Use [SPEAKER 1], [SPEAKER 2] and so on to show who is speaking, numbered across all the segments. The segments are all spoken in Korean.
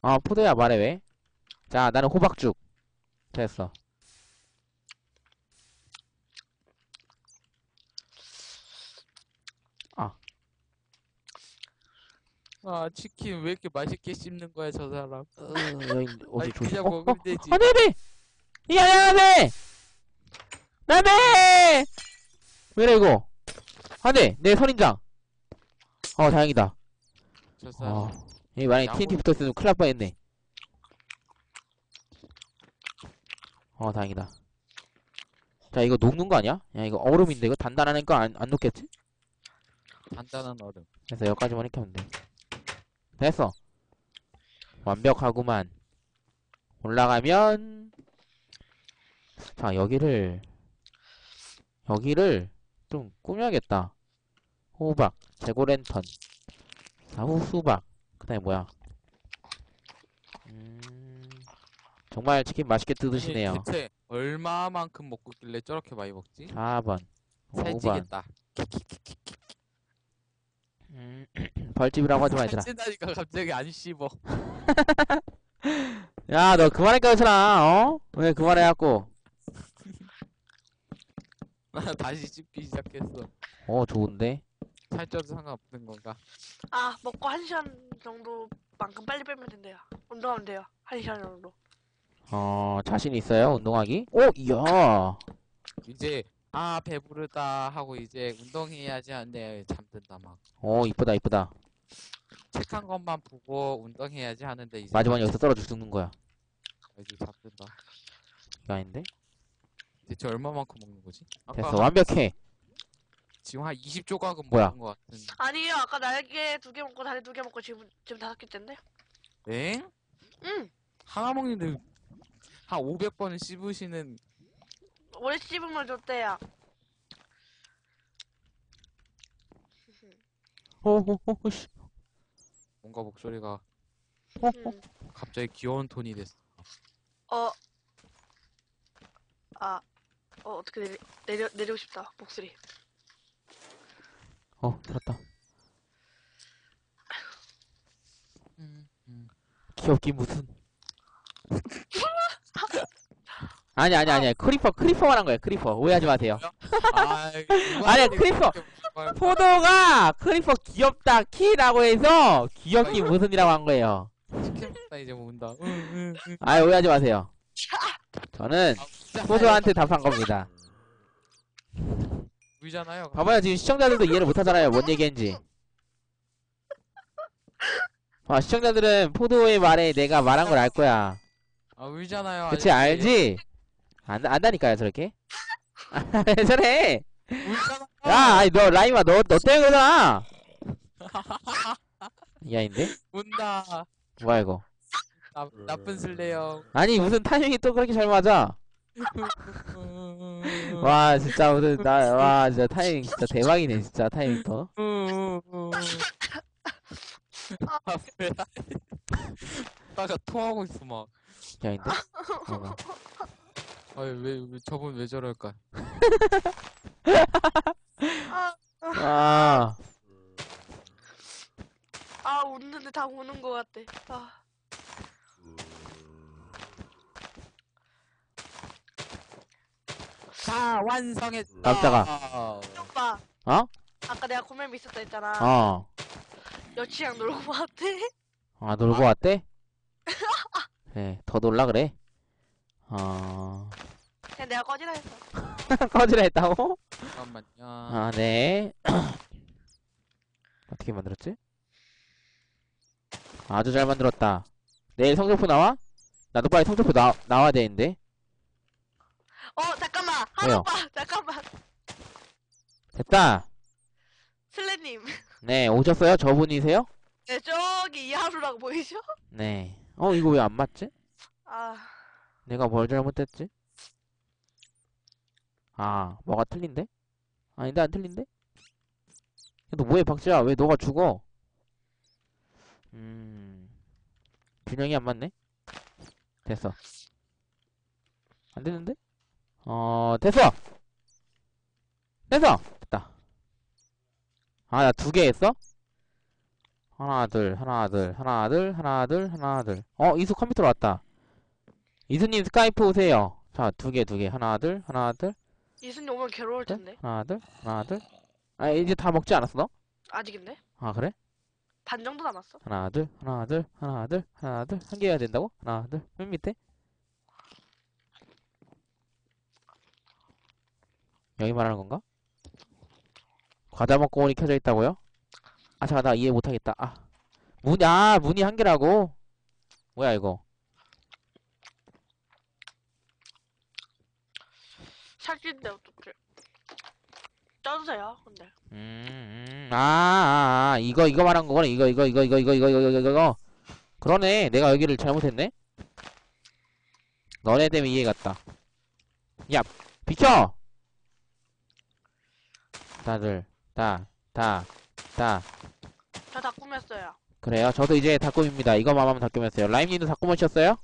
[SPEAKER 1] 포도야, 말해, 왜? 자, 나는 호박죽. 됐어. 아,
[SPEAKER 2] 아, 치킨 왜 이렇게 맛있게 씹는 거야, 저 사람.
[SPEAKER 1] 여기, 어디
[SPEAKER 2] 아니,
[SPEAKER 1] 조심.
[SPEAKER 2] 그냥 먹으면 되지.
[SPEAKER 1] 안 돼, 안 돼! 야, 야, 안 돼! 안 돼! 왜래, 이거? 안 돼! 내 선인장! 다행이다.
[SPEAKER 2] 저 사람.
[SPEAKER 1] 여기 만약에
[SPEAKER 2] 양보-
[SPEAKER 1] TNT 붙었으면 큰일 날 뻔했네. 다행이다. 자, 이거 녹는 거 아니야? 야, 이거 얼음인데, 이거 단단하니까 안 녹겠지?
[SPEAKER 2] 간단한 얼음.
[SPEAKER 1] 그래서 여기까지만 이렇게 하면 돼. 됐어. 완벽하구만. 올라가면, 자, 여기를 좀 꾸며야겠다. 호박, 재고랜턴, 사후수박, 그 다음에 뭐야? 정말 치킨 맛있게 뜯으시네요.
[SPEAKER 2] 아니, 대체 얼마만큼 먹고 있길래 저렇게 많이 먹지?
[SPEAKER 1] 4번, 5번.
[SPEAKER 2] 살찌겠다.
[SPEAKER 1] 벌집이라고 하지 마, 얘들아.
[SPEAKER 2] 살찐다니까 갑자기 안 씹어.
[SPEAKER 1] 야, 너 그만할까, 괜찮아, 왜 그만해갖고.
[SPEAKER 2] 다시 씹기 시작했어.
[SPEAKER 1] 좋은데?
[SPEAKER 2] 살쪄도 상관없는 건가?
[SPEAKER 3] 아, 먹고 1시간 정도만큼 빨리 빼면 된대요. 운동하면 돼요. 1시간 정도.
[SPEAKER 1] 자신 있어요, 운동하기? 이야.
[SPEAKER 2] 이제 배부르다 하고 이제 운동해야지 하는데 잠든다 막.
[SPEAKER 1] 이쁘다, 이쁘다.
[SPEAKER 2] 책 한 것만 보고 운동해야지 하는데 이제
[SPEAKER 1] 마지막에 여기서 떨어져 죽는 거야.
[SPEAKER 2] 이제 잠든다.
[SPEAKER 1] 이거 아닌데?
[SPEAKER 2] 대체 얼마만큼 먹는 거지? 아까
[SPEAKER 1] 됐어, 완벽해.
[SPEAKER 2] 지금 한 20조각은
[SPEAKER 1] 뭐야?
[SPEAKER 2] 먹은 것 같은.
[SPEAKER 3] 아니에요. 아까 날개 2개 먹고 다리 2개 먹고 지금 5개째인데?
[SPEAKER 2] 엥?
[SPEAKER 3] 응.
[SPEAKER 2] 하나 먹는데 한 500번은 씹으시는.
[SPEAKER 3] 오래 씹으면 좋대요.
[SPEAKER 1] 씨.
[SPEAKER 2] 뭔가 목소리가
[SPEAKER 3] 음.
[SPEAKER 2] 갑자기 귀여운 톤이 됐어.
[SPEAKER 3] 어떻게 내리고 싶다. 목소리.
[SPEAKER 1] 들었다. 귀엽긴 무슨. 아니야. 크리퍼만 한 거야, 크리퍼. 오해하지 마세요. 아니야, 크리퍼. 포도가 크리퍼 귀엽다, 키라고 해서 귀엽긴 무슨이라고 한 거예요.
[SPEAKER 2] 치킨 먹다 이제 모은다.
[SPEAKER 1] 오해하지 마세요. 저는 포도한테 답한 겁니다.
[SPEAKER 2] 보이잖아요.
[SPEAKER 1] 봐봐요, 지금 시청자들도 이해를 못 하잖아요, 뭔 얘기인지. 시청자들은 포도의 말에 내가 말한 걸 알 거야.
[SPEAKER 2] 울잖아요.
[SPEAKER 1] 그치, 알지? 안다니까요, 저렇게. 왜 저래?
[SPEAKER 2] 울잖아.
[SPEAKER 1] 야, 아니, 너, 라임아, 너 때문에 그러잖아! 이 아인데?
[SPEAKER 2] 운다.
[SPEAKER 1] 뭐야, 이거.
[SPEAKER 2] 나쁜 슬레요.
[SPEAKER 1] 아니, 무슨 타이밍이 또 그렇게 잘 맞아? 와, 진짜, 진짜 타이밍, 진짜 대박이네, 진짜, 타이밍 또.
[SPEAKER 2] 왜? 나가 토하고 있어 막.
[SPEAKER 1] 이 아인데? 뭐가.
[SPEAKER 2] 왜 저분 왜 저럴까?
[SPEAKER 1] 아,
[SPEAKER 3] 웃는데 다 우는 것 같대.
[SPEAKER 2] 자, 완성했다.
[SPEAKER 1] 깜짝아.
[SPEAKER 3] 오빠.
[SPEAKER 1] 어?
[SPEAKER 3] 아까 내가 고멜미 있었다 했잖아. 여친이랑 놀고 왔대.
[SPEAKER 1] 놀고 왔대? 그래, 더 놀라 그래?
[SPEAKER 3] 그냥 내가 꺼지라 했어.
[SPEAKER 1] 꺼지라 했다고?
[SPEAKER 2] 잠깐만요.
[SPEAKER 1] 네. 어떻게 만들었지? 아주 잘 만들었다. 내일 성적표 나와? 나도 빨리 성적표 나와야 되는데.
[SPEAKER 3] 잠깐만.
[SPEAKER 1] 왜요?
[SPEAKER 3] 오빠. 잠깐만.
[SPEAKER 1] 됐다.
[SPEAKER 3] 슬래님.
[SPEAKER 1] 네, 오셨어요? 저분이세요?
[SPEAKER 3] 네, 저기 이하루라고 보이죠?
[SPEAKER 1] 네. 이거 왜 안 맞지? 내가 뭘 잘못했지? 뭐가 틀린데? 아닌데, 안 틀린데? 너 뭐해, 박지야? 왜 너가 죽어? 균형이 안 맞네? 됐어. 안 되는데? 됐어! 됐어! 됐다. 나 2개 했어? 하나, 둘, 하나, 둘, 하나, 둘, 하나, 둘, 하나, 둘. 이수 컴퓨터로 왔다. 이수님 스카이프 오세요. 자, 두 개, 두 개. 하나, 둘, 하나, 둘,
[SPEAKER 3] 이순이 오면 괴로울
[SPEAKER 1] 둘,
[SPEAKER 3] 텐데.
[SPEAKER 1] 하나, 둘, 하나, 둘. 아, 이제 다 먹지 않았어, 너?
[SPEAKER 3] 아직인데?
[SPEAKER 1] 아, 그래?
[SPEAKER 3] 반 정도 남았어.
[SPEAKER 1] 하나, 둘, 하나, 둘, 하나, 둘, 하나, 둘. 한 개 해야 된다고? 하나, 둘, 맨 밑에. 여기 말하는 건가? 과자 먹고문이 켜져 있다고요? 아, 잠깐, 나 이해 못하겠다. 문이 한 개라고? 뭐야, 이거?
[SPEAKER 3] 살찐데 어떡해. 쪄주세요, 근데.
[SPEAKER 1] 이거 말한 거구나. 이거. 그러네. 내가 여기를 잘못했네? 너네 때문에 이해 갔다. 야, 비켜! 다들, 다.
[SPEAKER 3] 저 다 꾸몄어요.
[SPEAKER 1] 그래요. 저도 이제 다 꾸밉니다. 이거만 하면 다 꾸몄어요. 라임님도 다 꾸미셨어요?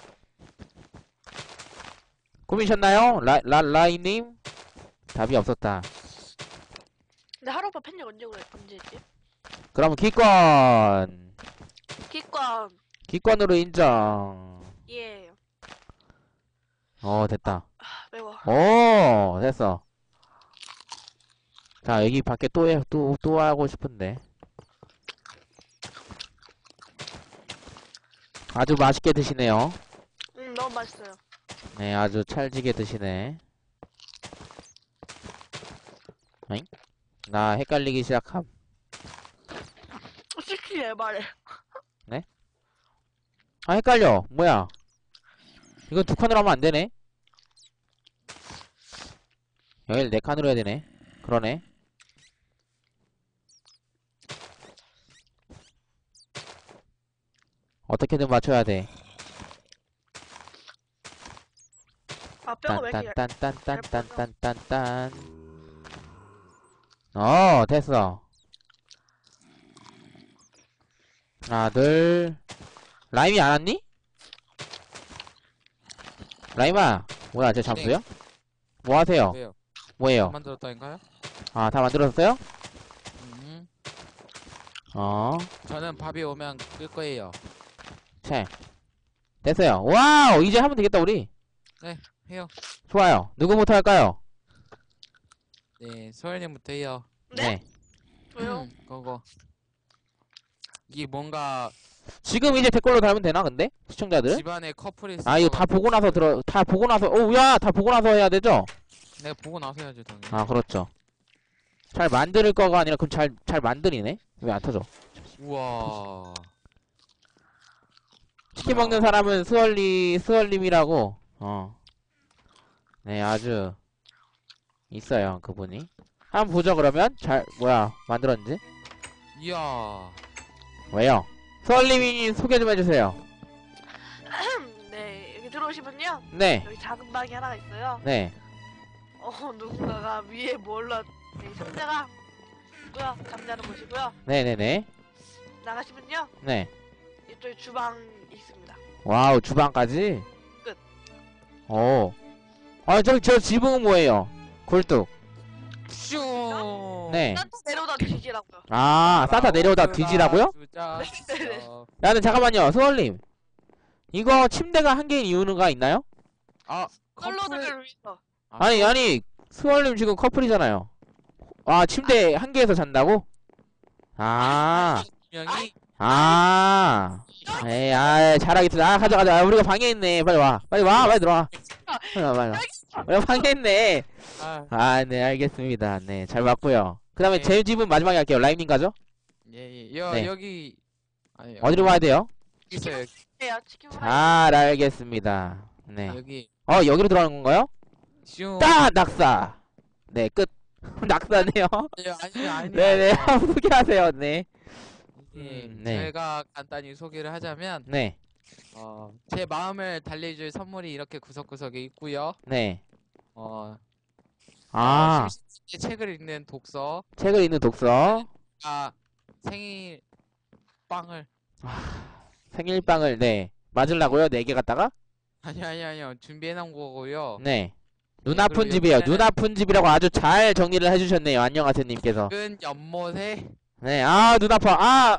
[SPEAKER 1] 꾸미셨나요? 라임님? 답이 없었다.
[SPEAKER 3] 근데 하루오빠 팬력 언제 했지?
[SPEAKER 1] 그럼 기권!
[SPEAKER 3] 기권.
[SPEAKER 1] 기권으로 인정.
[SPEAKER 3] 예.
[SPEAKER 1] 됐다.
[SPEAKER 3] 매워.
[SPEAKER 1] 됐어. 자, 여기 밖에 또 하고 싶은데. 아주 맛있게 드시네요.
[SPEAKER 3] 너무 맛있어요.
[SPEAKER 1] 네, 아주 찰지게 드시네. 어잉? 나 헷갈리기 시작함.
[SPEAKER 3] 솔직히 말해.
[SPEAKER 1] 헷갈려. 뭐야? 이거 두 칸으로 하면 안 되네. 여길 네 칸으로 해야 되네. 그러네. 어떻게든 맞춰야 돼.
[SPEAKER 3] 뼈가 왜 이렇게
[SPEAKER 1] 딴딴딴딴딴딴딴딴. 됐어. 하나, 둘. 라임이 안 왔니? 라임아, 뭐야, 쟤 잠수야? 뭐 하세요?
[SPEAKER 2] 왜요?
[SPEAKER 1] 뭐예요?
[SPEAKER 2] 만들었다니까요?
[SPEAKER 1] 다 만들었어요?
[SPEAKER 2] 음.
[SPEAKER 1] 어,
[SPEAKER 2] 저는 밥이 오면 끌 거예요.
[SPEAKER 1] 됐어요. 와우, 이제 하면 되겠다, 우리.
[SPEAKER 2] 해요.
[SPEAKER 1] 좋아요. 누구부터 할까요?
[SPEAKER 2] 네, 소연님부터 해요.
[SPEAKER 3] 네? 왜요?
[SPEAKER 2] 그거. 이게 뭔가
[SPEAKER 1] 지금 이제 댓글로 달면 되나, 근데? 시청자들?
[SPEAKER 2] 집안에 커플이
[SPEAKER 1] 이거 다 보고 나서 다 보고 나서, 다 보고 나서 해야 되죠?
[SPEAKER 2] 내가 보고 나서 해야지 당연히.
[SPEAKER 1] 그렇죠. 잘 만들 거가 아니라, 그럼 잘 만들이네? 왜 안 터져?
[SPEAKER 2] 우와.
[SPEAKER 1] 치킨 먹는 사람은 스월님이라고, 네, 아주, 있어요, 그분이. 한번 보죠, 그러면? 만들었는지?
[SPEAKER 2] 이야.
[SPEAKER 1] 왜요? 스월님이 소개 좀 해주세요.
[SPEAKER 3] 네, 여기 들어오시면요.
[SPEAKER 1] 네,
[SPEAKER 3] 여기 작은 방이 하나가 있어요.
[SPEAKER 1] 네.
[SPEAKER 3] 누군가가 위에 네, 상자가 있고요. 잠자는 곳이고요.
[SPEAKER 1] 네네네.
[SPEAKER 3] 나가시면요.
[SPEAKER 1] 네.
[SPEAKER 3] 이쪽에 주방 있습니다.
[SPEAKER 1] 와우, 주방까지?
[SPEAKER 3] 끝.
[SPEAKER 1] 저 지붕은 뭐예요? 굴뚝.
[SPEAKER 2] 슈.
[SPEAKER 1] 네.
[SPEAKER 3] 산타 내려오다 뒤지라고요.
[SPEAKER 1] 산타 내려오다 뒤지라고요?
[SPEAKER 3] 네네.
[SPEAKER 1] 나는 잠깐만요, 스월님. 이거 침대가 한 개인 이유가 있나요?
[SPEAKER 3] 솔로들을 위해서.
[SPEAKER 1] 아니, 스월님 지금 커플이잖아요. 침대 한 개에서 잔다고?
[SPEAKER 2] 명이
[SPEAKER 1] 에이, 잘하겠다. 가자. 우리가 방에 있네. 빨리 와. 빨리 들어와. 빨리 와. 우리가 방에 있네. 네, 알겠습니다. 네, 잘 맞고요. 그 다음에
[SPEAKER 2] 네.
[SPEAKER 1] 제 집은 마지막에 할게요. 라임님 가죠?
[SPEAKER 2] 예.
[SPEAKER 1] 네.
[SPEAKER 2] 여기 아니,
[SPEAKER 1] 어디로 가야 돼요?
[SPEAKER 2] 있어요.
[SPEAKER 3] 네요. 치킨 프라이.
[SPEAKER 1] 잘 알겠습니다. 네.
[SPEAKER 2] 여기
[SPEAKER 1] 여기로 들어가는 건가요?
[SPEAKER 2] 슈.
[SPEAKER 1] 낙사! 네, 끝. 낙사네요.
[SPEAKER 2] 아니.
[SPEAKER 1] 네네, 한번 소개하세요. 네.
[SPEAKER 2] 네.
[SPEAKER 1] 네.
[SPEAKER 2] 제가 간단히 소개를 하자면
[SPEAKER 1] 네.
[SPEAKER 2] 제 마음을 달래줄 선물이 이렇게 구석구석에 있고요.
[SPEAKER 1] 네.
[SPEAKER 2] 심심할 때 책을 읽는 독서.
[SPEAKER 1] 책을 읽는 독서.
[SPEAKER 2] 생일 빵을.
[SPEAKER 1] 생일빵을, 네. 맞으려고요? 4개 갖다가?
[SPEAKER 2] 아니요. 준비해놓은 거고요.
[SPEAKER 1] 네. 눈 아픈
[SPEAKER 2] 그리고
[SPEAKER 1] 집이에요.
[SPEAKER 2] 여기에는-
[SPEAKER 1] 눈 아픈 집이라고 아주 잘 정리를 해주셨네요. 안녕하세요, 님께서.
[SPEAKER 2] 은 연못에
[SPEAKER 1] 네, 아, 눈 아파.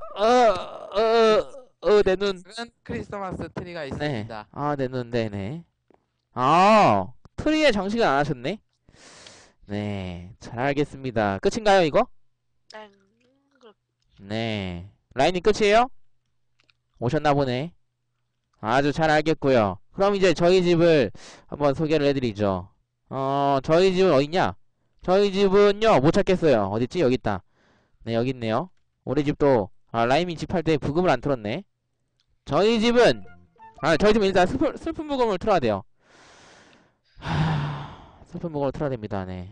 [SPEAKER 1] 내 눈.
[SPEAKER 2] 작은 크리스마스 트리가
[SPEAKER 1] 네.
[SPEAKER 2] 있습니다.
[SPEAKER 1] 아, 내 눈, 네네. 아, 트리에 장식을 안 하셨네? 네, 잘 알겠습니다. 끝인가요, 이거?
[SPEAKER 3] 네. 그-
[SPEAKER 1] 네. 라인이 끝이에요? 오셨나 보네. 아주 잘 알겠고요. 그럼 이제 저희 집을 한번 소개를 해드리죠. 저희 집은 어딨냐? 저희 집은요, 못 찾겠어요. 어딨지? 여기 있다. 네, 여기 있네요. 우리 집도, 라임이 집 할 때 부금을 안 틀었네. 저희 집은, 저희 집은 일단 슬픈 부금을 틀어야 돼요. 슬픈 부금을 틀어야 됩니다, 네.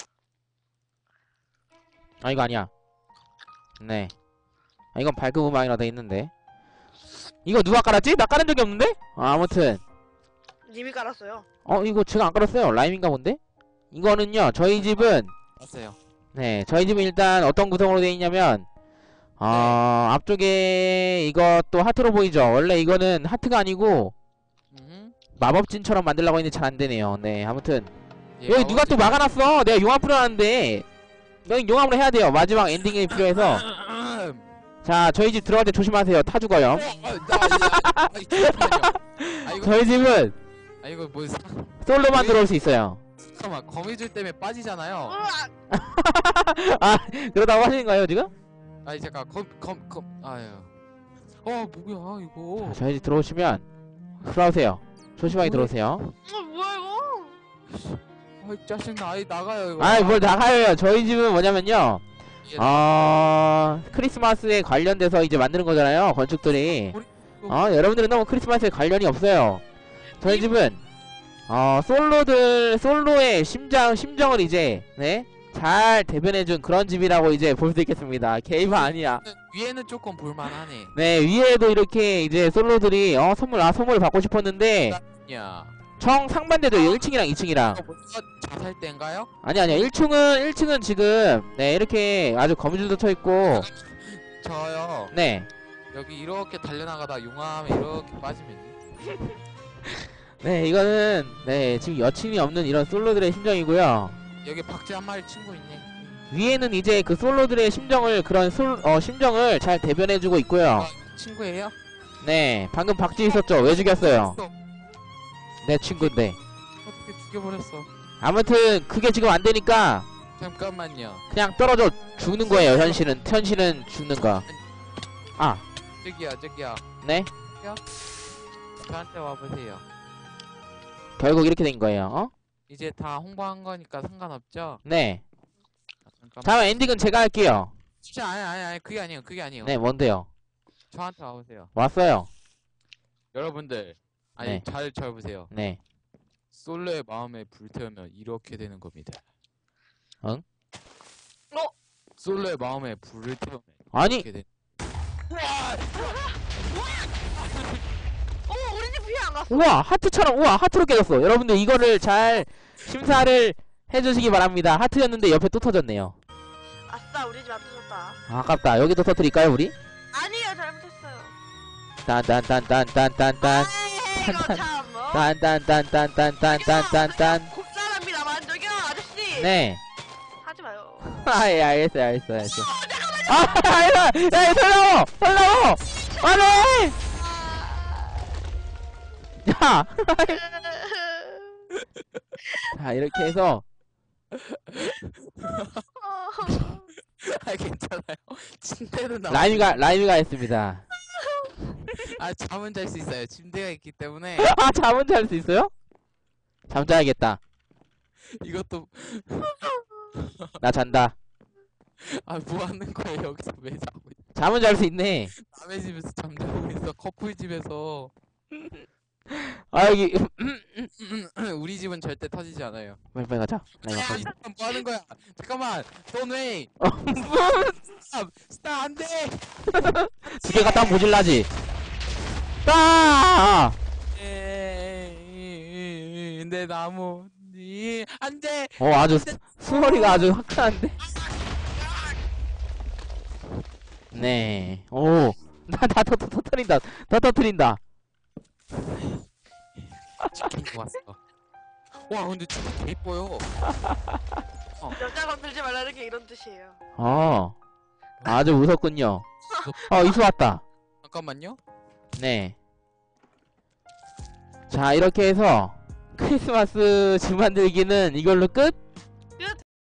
[SPEAKER 1] 아, 이거 아니야. 네. 이건 밝은 음악이라 돼 있는데. 이거 누가 깔았지? 나 깔은 적이 없는데? 아무튼.
[SPEAKER 3] 님이 깔았어요.
[SPEAKER 1] 이거 제가 안 깔았어요. 라임인가 본데? 이거는요, 저희 집은,
[SPEAKER 2] 봤어요.
[SPEAKER 1] 네, 저희 집은 일단 어떤 구성으로 되어 있냐면, 앞쪽에 이것도 하트로 보이죠? 원래 이거는 하트가 아니고, 마법진처럼 만들려고 했는데 잘 안 되네요. 네, 아무튼.
[SPEAKER 2] 예,
[SPEAKER 1] 여기 누가 또 막아놨어! 내가 용암 풀어놨는데, 여기 용암으로 해야 돼요. 마지막 엔딩이 필요해서. 자, 저희 집 들어갈 때 조심하세요. 타 죽어요. 저희 집은
[SPEAKER 2] 이거 뭐
[SPEAKER 1] 솔로만 들어올 수 있어요.
[SPEAKER 2] 잠깐만 거미줄 때문에 빠지잖아요.
[SPEAKER 1] 그러다고 하시는 거예요, 지금?
[SPEAKER 2] 아니 잠깐 아유. 뭐야 이거.
[SPEAKER 1] 자, 저희 집 들어오시면 들어오세요. 조심하게 들어오세요.
[SPEAKER 3] 뭐야 이거?
[SPEAKER 2] 짜증나. 아이 나가요 이거.
[SPEAKER 1] 뭘 나가요. 저희 집은 뭐냐면요.
[SPEAKER 2] 예,
[SPEAKER 1] 크리스마스에 관련돼서 이제 만드는 거잖아요. 건축들이. 여러분들은 너무 크리스마스에 관련이 없어요. 저희 집은 솔로의 심정을 이제 네? 잘 대변해준 그런 집이라고 이제 볼 수 있겠습니다. 게이머 아니야.
[SPEAKER 2] 위에는 조금 볼만하네.
[SPEAKER 1] 네, 위에도 이렇게 이제 솔로들이 선물 받고 싶었는데
[SPEAKER 2] 야.
[SPEAKER 1] 정 상반대도 1층이랑 2층이랑.
[SPEAKER 2] 이거 자살 때인가요?
[SPEAKER 1] 아니야. 1층은 지금 네, 이렇게 아주 거미줄도 쳐 있고
[SPEAKER 2] 저요.
[SPEAKER 1] 네.
[SPEAKER 2] 여기 이렇게 달려나가다 용암에 이렇게 빠지면
[SPEAKER 1] 네, 이거는 네, 지금 여친이 없는 이런 솔로들의 심정이고요.
[SPEAKER 2] 여기 박쥐 한 마리 친구 있네.
[SPEAKER 1] 위에는 이제 그 솔로들의 심정을 심정을 잘 대변해주고 있고요.
[SPEAKER 2] 친구예요?
[SPEAKER 1] 네, 방금 박쥐 있었죠? 왜 죽였어요? 내 친구인데.
[SPEAKER 2] 어떻게 죽여버렸어?
[SPEAKER 1] 아무튼 그게 지금 안 되니까
[SPEAKER 2] 잠깐만요.
[SPEAKER 1] 그냥 떨어져 죽는 거예요. 현실은 죽는 거.
[SPEAKER 2] 저기요.
[SPEAKER 1] 네,
[SPEAKER 2] 저한테 와보세요.
[SPEAKER 1] 결국 이렇게 된 거예요.
[SPEAKER 2] 이제 다 홍보한 거니까 상관없죠?
[SPEAKER 1] 네.
[SPEAKER 2] 잠깐만.
[SPEAKER 1] 다음 엔딩은 제가 할게요.
[SPEAKER 2] 진짜 아니 그게 아니에요.
[SPEAKER 1] 네, 뭔데요?
[SPEAKER 2] 저한테 와보세요.
[SPEAKER 1] 왔어요.
[SPEAKER 2] 여러분들
[SPEAKER 1] 네.
[SPEAKER 2] 잘 보세요.
[SPEAKER 1] 네.
[SPEAKER 2] 솔로의 마음에 불태우면 이렇게 되는 겁니다.
[SPEAKER 1] 응?
[SPEAKER 2] 솔로의 마음에 불을 태우면
[SPEAKER 1] 아니.
[SPEAKER 2] 이렇게 되는.
[SPEAKER 3] 우리 집 피해 안 갔어.
[SPEAKER 1] 우와, 하트로 깨졌어. 여러분들 이거를 잘 심사를 해주시기 바랍니다. 하트였는데 옆에 또 터졌네요.
[SPEAKER 3] 아싸, 우리 집 안 터졌다.
[SPEAKER 1] 아깝다. 여기도 터뜨릴까요, 우리?
[SPEAKER 3] 아니에요, 잘못했어요.
[SPEAKER 1] 딴딴딴딴딴딴딴.
[SPEAKER 3] 이거 참.
[SPEAKER 1] 딴딴딴딴딴딴딴딴.
[SPEAKER 3] 곱사랍니다만 저기요, 아저씨.
[SPEAKER 1] 네.
[SPEAKER 3] 하지 마요.
[SPEAKER 1] 알겠어요. 알겠어. 야, 설라워! 안해! 야! 자, 이렇게 해서
[SPEAKER 2] 괜찮아요. 침대는 나.
[SPEAKER 1] 라임이가 했습니다.
[SPEAKER 2] 잠은 잘 수 있어요. 침대가 있기 때문에.
[SPEAKER 1] 잠은 잘 수 있어요? 잠 자야겠다.
[SPEAKER 2] 이것도
[SPEAKER 1] 나 잔다.
[SPEAKER 2] 뭐 하는 거예요? 여기서 왜 자고 있어?
[SPEAKER 1] 잠은 잘 수 있네.
[SPEAKER 2] 남의 집에서 잠자고 있어. 커플 집에서.
[SPEAKER 1] 여기
[SPEAKER 2] 우리 집은 절대 터지지 않아요.
[SPEAKER 1] 빨리 가자. 라임
[SPEAKER 2] 야,
[SPEAKER 1] 아빠.
[SPEAKER 2] 잠깐 뭐 하는 거야? 잠깐만. 돈웨이. 스타 안 돼.
[SPEAKER 1] 두 개 갖다 하면 모질라지. 따!
[SPEAKER 2] 내 나무. 안 돼.
[SPEAKER 1] 아주 수월이가 아주 화끈한데. 네. 다 터트린다. 다 터트린다.
[SPEAKER 2] 치킨 좋았어. 와, 근데 진짜 개 이뻐요.
[SPEAKER 3] 여자 건들지 말라는 게 이런 뜻이에요.
[SPEAKER 1] 아주 무섭군요. 이수 왔다.
[SPEAKER 2] 잠깐만요.
[SPEAKER 1] 네. 자, 이렇게 해서 크리스마스 집 만들기는 이걸로 끝?